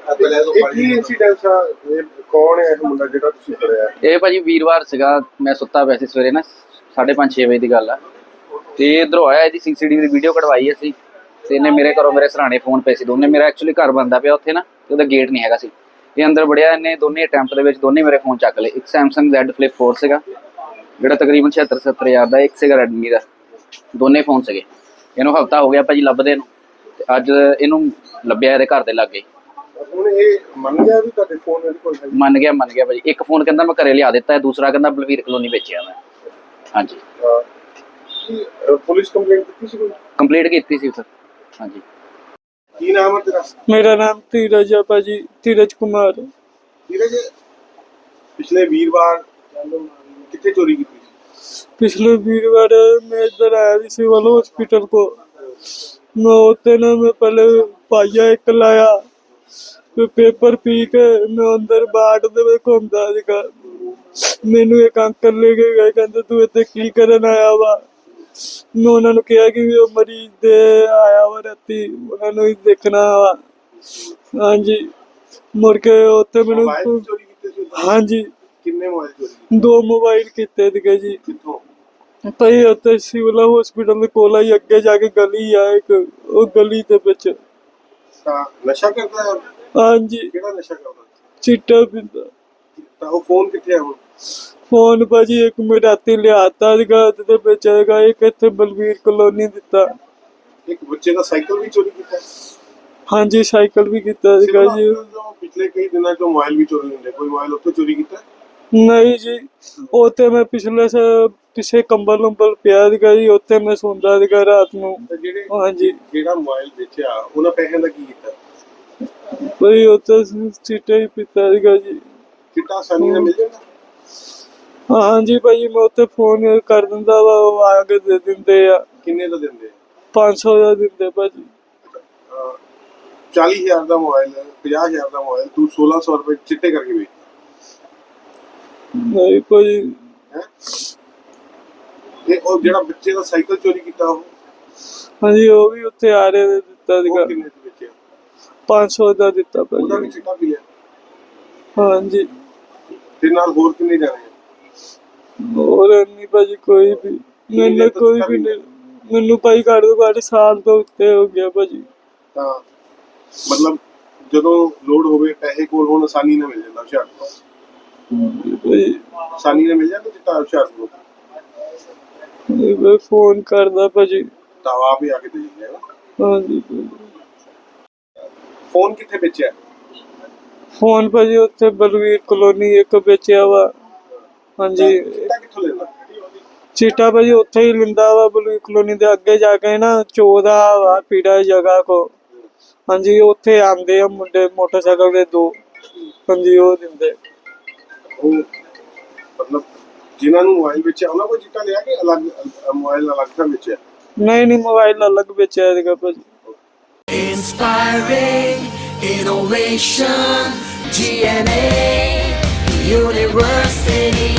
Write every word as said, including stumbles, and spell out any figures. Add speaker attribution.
Speaker 1: ਇਹ ਭਾਜੀ ਵੀਰਵਾਰ ਸੀਗਾ, ਮੈਂ ਸੁੱਤਾ ਪਿਆ ਸੀ ਸਵੇਰੇ ਨਾ ਸਾਢੇ ਪੰਜ ਛੇ ਵਜੇ ਦੀ ਗੱਲ ਆ। ਤੇ ਇਧਰੋਂ ਆਇਆ, ਇਹਦੀ ਸੀਸੀਟੀਵੀ ਦੀ ਵੀਡੀਓ ਕਢਵਾਈ ਅਸੀਂ ਤੇ ਇਹਨੇ ਮੇਰੇ ਘਰੋਂ ਮੇਰੇ ਸਰਾਣੇ ਫੋਨ ਪਏ ਸੀ ਦੋਨੇ। ਮੇਰਾ ਐਕਚੁਅਲੀ ਘਰ ਬਣਦਾ ਪਿਆ ਉੱਥੇ ਨਾ, ਤੇ ਉਹਦਾ ਗੇਟ ਨਹੀਂ ਹੈਗਾ ਸੀ। ਇਹ ਅੰਦਰ ਵੜਿਆ, ਇਹਨੇ ਦੋਨੇ ਅਟੈਂਪਟ ਦੇ ਵਿੱਚ ਦੋਨੇ ਮੇਰੇ ਫੋਨ ਚੱਕ ਲਏ। ਇੱਕ ਸੈਮਸੰਗ ਜ਼ੈਡ ਫਲਿਪ ਫੋਰ ਸੀਗਾ ਜਿਹੜਾ ਤਕਰੀਬਨ ਛਿਹੱਤਰ ਸੱਤਰ ਹਜ਼ਾਰ ਦਾ, ਇੱਕ ਸੀਗਾ ਰੈਡਮੀ ਦਾ। ਦੋਨੇ ਫੋਨ ਸੀਗੇ। ਇਹਨੂੰ ਹਫਤਾ ਹੋ ਗਿਆ ਭਾਜੀ ਲੱਭਦੇ ਨੂੰ, ਤੇ ਅੱਜ ਇਹਨੂੰ ਲੱਭਿਆ ਇਹਦੇ ਘਰ ਦੇ ਲਾਗੇ।
Speaker 2: ਹੁਣ ਇਹ ਮੰਨ ਗਿਆ ਵੀ ਤੁਹਾਡੇ ਫੋਨ ਇਹਦੇ ਕੋਲ ਹੈ?
Speaker 1: ਮੰਨ ਗਿਆ ਮੰਨ ਗਿਆ ਭਾਜੀ। ਇੱਕ ਫੋਨ ਕਹਿੰਦਾ ਮੈਂ ਘਰੇ ਲਿਆ ਦਿੱਤਾ ਹੈ, ਦੂਸਰਾ ਕਹਿੰਦਾ ਬਲਵੀਰ ਕਲੋਨੀ ਵੇਚਿਆ ਮੈਂ। ਹਾਂਜੀ
Speaker 2: ਪੁਲਿਸ ਕੰਪਲੇਂਟ ਕੀਤੀ ਸੀ? ਕੋਈ
Speaker 1: ਕੰਪਲੀਟ ਕੀਤੀ ਸੀ ਸਰ। ਹਾਂਜੀ।
Speaker 2: ਕੀ ਨਾਮ ਹੈ ਤੇਰਾ?
Speaker 3: ਮੇਰਾ ਨਾਮ ਧੀਰਜ ਹੈ ਭਾਜੀ, ਧੀਰਜ ਕੁਮਾਰ।
Speaker 2: ਧੀਰਜ, ਪਿਛਲੇ ਵੀਰਵਾਰ ਕਿੱਥੇ ਚੋਰੀ ਕੀਤੀ ਸੀ?
Speaker 3: पिछले वीरवार मैं इधर आया थी सिविल हॉस्पिटल को। मैं होते ना मैं पहले पाइया एक लाया, फिर पेपर पी के मैं अंदर बाट दे घूमता सीगा। मैनू एक अंकल लेके गए, कहते तू इत्थे की करन आया वा। मैं उन्हां नूं कहा कि वो मरीज दे आया वा राती, उन्हां नूं ही देखना वा। हाँ जी, मुड़ के उत्थे मैनू हाँ जी
Speaker 2: किन्ने मोबाइल चोरी?
Speaker 3: दो मोबाइल कीते सीगे जी।
Speaker 2: कित्थों?
Speaker 3: भाई उत्थे सिविल हॉस्पिटल दे कोल ही अगे जाके गली आ एक, ओ गली दे विच।
Speaker 2: ਤਾਂ ਨਸ਼ਾ ਕਰਦਾ ਹੈ?
Speaker 3: हाँ जी,
Speaker 2: ਕਿਹੜਾ ਨਸ਼ਾ ਕਰਦਾ?
Speaker 3: चिट्टा पींदा।
Speaker 2: ਤਾਂ ਉਹ ਫੋਨ ਕਿੱਥੇ ਹੈ ਹੁਣ?
Speaker 3: फोन भाजी एक मैं राती लियाता सीगा ते विच हैगा, एक इत्थे बलवीर कॉलोनी दित्ता।
Speaker 2: ਇੱਕ ਬੱਚੇ ਦਾ ਸਾਈਕਲ ਵੀ ਚੋਰੀ ਕੀਤਾ?
Speaker 3: हाँ जी, साइकिल भी कीता सीगा जी।
Speaker 2: ਪਿਛਲੇ ਕਈ ਦਿਨਾਂ ਤੋਂ ਮੋਬਾਈਲ ਵੀ ਚੋਰੀ ਹੁੰਦੇ, ਕੋਈ ਮੋਬਾਈਲ ਉੱਥੋਂ ਚੋਰੀ ਕੀਤਾ?
Speaker 3: नहीं जी, उत्थे मैं पिछले से पिछे कंबल उंबल पिया सीगा जी, उत्थे मैं सोंदा सीगा रात नूं।
Speaker 2: ਜਿਹੜੇ
Speaker 3: हाँ जी,
Speaker 2: ਜਿਹੜਾ ਮੋਬਾਈਲ ਵੇਚਿਆ ਉਹਨਾਂ ਪੈਸਿਆਂ ਦਾ ਕੀ ਕੀਤਾ?
Speaker 3: भाई उत्थे चिट्टा ही पीता सीगा जी।
Speaker 2: ਚਿੱਟਾ ਆਸਾਨੀ ਨਾਲ ਮਿਲ ਜਾਂਦਾ?
Speaker 3: हाँ जी भाई, मैं उत्थे फोन कर दिंदा वा, वो आ के दे दिंदे आ।
Speaker 2: ਕਿੰਨੇ ਦਾ ਦਿੰਦੇ?
Speaker 3: पाँच सौ ਦਾ ਦਿੰਦੇ ਭਾਜੀ।
Speaker 2: ਚਾਲੀ ਹਜ਼ਾਰ ਦਾ ਮੋਬਾਈਲ, ਪੰਜਾਹ ਹਜ਼ਾਰ ਦਾ ਮੋਬਾਈਲ ਤੂੰ ਸੋਲਾਂ ਸੌ ਰੁਪਏ ਚਿੱਟੇ ਕਰਕੇ ਵੇਚ?
Speaker 3: ਨਹੀਂ ਭਾਜੀ।
Speaker 2: ਹੈ ਤੇ ਉਹ ਜਿਹੜਾ ਬੱਚੇ ਦਾ ਸਾਈਕਲ ਚੋਰੀ ਕੀਤਾ ਉਹ?
Speaker 3: ਹਾਂਜੀ, ਉਹ ਵੀ ਉੱਥੇ ਆ ਰਹੇ ਨੇ ਦਿੱਤਾ ਸੀਗਾ।
Speaker 2: ਉਹ ਕਿੰਨੇ ਦੇ ਵੇਚਿਆ?
Speaker 3: पाँच सौ ਦਾ ਦਿੱਤਾ
Speaker 2: ਉਹਦਾ ਵੀ
Speaker 3: ਭਾਜੀ।
Speaker 2: ਚਿੱਟਾ ਪੀ ਲਿਆ?
Speaker 3: ਹਾਂਜੀ,
Speaker 2: ਤੇ ਨਾਲ ਹੋਰ ਕਿੰਨੇ ਜਾਣੇ?
Speaker 3: ਹੋਰ ਨਹੀਂ ਭਾਜੀ ਕੋਈ ਵੀ, ਮੈਨੂੰ ਕੋਈ ਵੀ ਨਹੀਂ। ਮੈਨੂੰ ਭਾਈ ਘੱਟ ਤੋਂ ਘੱਟ ਸਾਲ ਤੋਂ ਉੱਤੇ ਹੋ ਗਿਆ ਭਾਜੀ।
Speaker 2: ਤਾਂ ਮਤਲਬ ਜਦੋਂ ਲੋੜ ਹੋਵੇ ਪੈਸੇ ਕੋਲ ਹੋਣ ਆਸਾਨੀ ਨਾਲ ਮਿਲ ਜਾਂਦਾ ਹੁਸ਼ਿਆਰਪੁਰ?
Speaker 3: ਭਾਜੀ
Speaker 2: ਆਸਾਨੀ ਨਾਲ ਮਿਲ ਜਾਂਦਾ ਚਿੱਟਾ ਹੁਸ਼ਿਆਰਪੁਰ?
Speaker 3: ਮੈਂ ਫੋਨ ਕਰਦਾ ਭਾਜੀ।
Speaker 2: ਤਾਂ ਆਪ ਹੀ ਆ ਕੇ ਦੇ ਦਿੰਦੇ ਆ?
Speaker 3: ਹਾਂਜੀ।
Speaker 2: ਫੋਨ ਕਿੱਥੇ ਵੇਚਿਆ?
Speaker 3: ਫੋਨ ਭਾਜੀ ਉੱਥੇ ਬਲਵੀਰ ਕਲੋਨੀ ਇੱਕ ਵੇਚਿਆ ਵਾ। ਹਾਂਜੀ,
Speaker 2: ਚਿੱਟਾ ਕਿੱਥੋਂ ਲੈਂਦਾ?
Speaker 3: ਚੀਟਾ ਭਾਜੀ ਉੱਥੇ ਹੀ ਲਿੰਦਾ ਵਾ, ਬਲਵੀਰ ਕਲੋਨੀ ਦੇ ਅੱਗੇ ਜਾ ਕੇ ਨਾ ਚੌਦਾ ਵਾ ਪੀੜਾ ਜਗ੍ਹਾ ਕੋ। ਹਾਂਜੀ, ਉੱਥੇ ਆਂਦੇ ਆ ਮੁੰਡੇ ਮੋਟਰਸਾਈਕਲ ਦੇ ਦੋ। ਹਾਂਜੀ, ਉਹ ਦਿੰਦੇ।
Speaker 2: ਉਹ ਮਤਲਬ ਜਿਨ੍ਹਾਂ ਨੂੰ ਮੋਬਾਈਲ ਵੇਚਿਆ ਉਹਨਾਂ ਕੋਲ ਚਿੱਟਾ ਲਿਆ ਕਿ ਅਲੱਗ ਮੋਬਾਈਲ ਅਲੱਗ ਤੋਂ ਵੇਚਿਆ?
Speaker 3: ਨਹੀਂ ਨਹੀਂ, ਮੋਬਾਈਲ ਅਲੱਗ ਵੇਚਿਆ ਸੀਗਾ ਭਾਜੀ।
Speaker 4: Inspiring innovation, G N A University.